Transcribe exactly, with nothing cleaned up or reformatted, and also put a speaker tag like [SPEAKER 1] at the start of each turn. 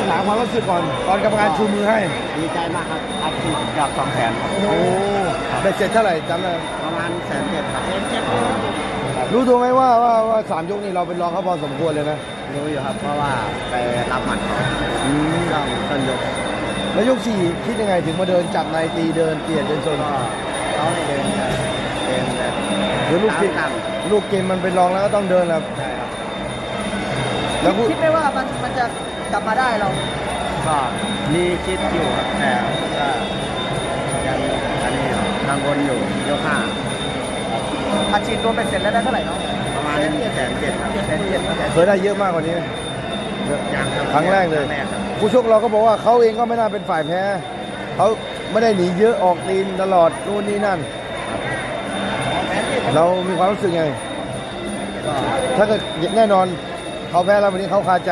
[SPEAKER 1] ถามความรู้สึกก่อนตอนกรรมการชูมือให้
[SPEAKER 2] ดีใจมากครับอาชีพกับสองแสน
[SPEAKER 1] โอ้โหเบ็ดเสร็จเท่าไหร่จำได้
[SPEAKER 2] ประมาณแสนเจ็ดครับ
[SPEAKER 1] รู้ตัวไหมว่าว่าว่าสามยกนี่เราเป็นรองเขาพอสมควรเลยนะ
[SPEAKER 2] รู้อยู่ครับเพราะว่าไปรับหมัดเขา
[SPEAKER 1] อืม
[SPEAKER 2] ช่วงต้นยก
[SPEAKER 1] แล้วยกสี่คิดยังไงถึงมาเดินจับในตีเดินเปลี่ยนเดินชน
[SPEAKER 2] ก็เขาเดินแบบเดินแบบ
[SPEAKER 1] หรือลูกเกม
[SPEAKER 2] ตาม
[SPEAKER 1] ลูกเกมมันเป็นรองแล้วก็ต้องเดินแล้ว
[SPEAKER 2] ใช่ครับ
[SPEAKER 1] แล้วพูด
[SPEAKER 3] คิดไหมว่ามันมันจะกลับมาได้เรา
[SPEAKER 2] ก็มีคิดอยู่ครับแต่ก็ยังอันนี้ครับกังวลอยู่ยกห้า
[SPEAKER 3] อาชีพรวมเป็นเสร็จแล้วได้เท่าไหร่เนาะ
[SPEAKER 2] ประมาณแสนเจ็ดครับ
[SPEAKER 3] แสนเจ็ด
[SPEAKER 1] เคยได้เยอะมากกว่านี้ไหม
[SPEAKER 2] ยังครับ
[SPEAKER 1] ครั้งแรกเลย
[SPEAKER 2] ครั้งแรกครับ
[SPEAKER 1] ผู้ชกเราก็บอกว่าเขาเองก็ไม่น่าเป็นฝ่ายแพ้เขาไม่ได้หนีเยอะออกตีนตลอดนู่นนี่นั่น เรามีความรู้สึกไง
[SPEAKER 2] ก็
[SPEAKER 1] ถ้าเกิดแน่นอนเขาแพ้แล้ววันนี้เขาคาใจ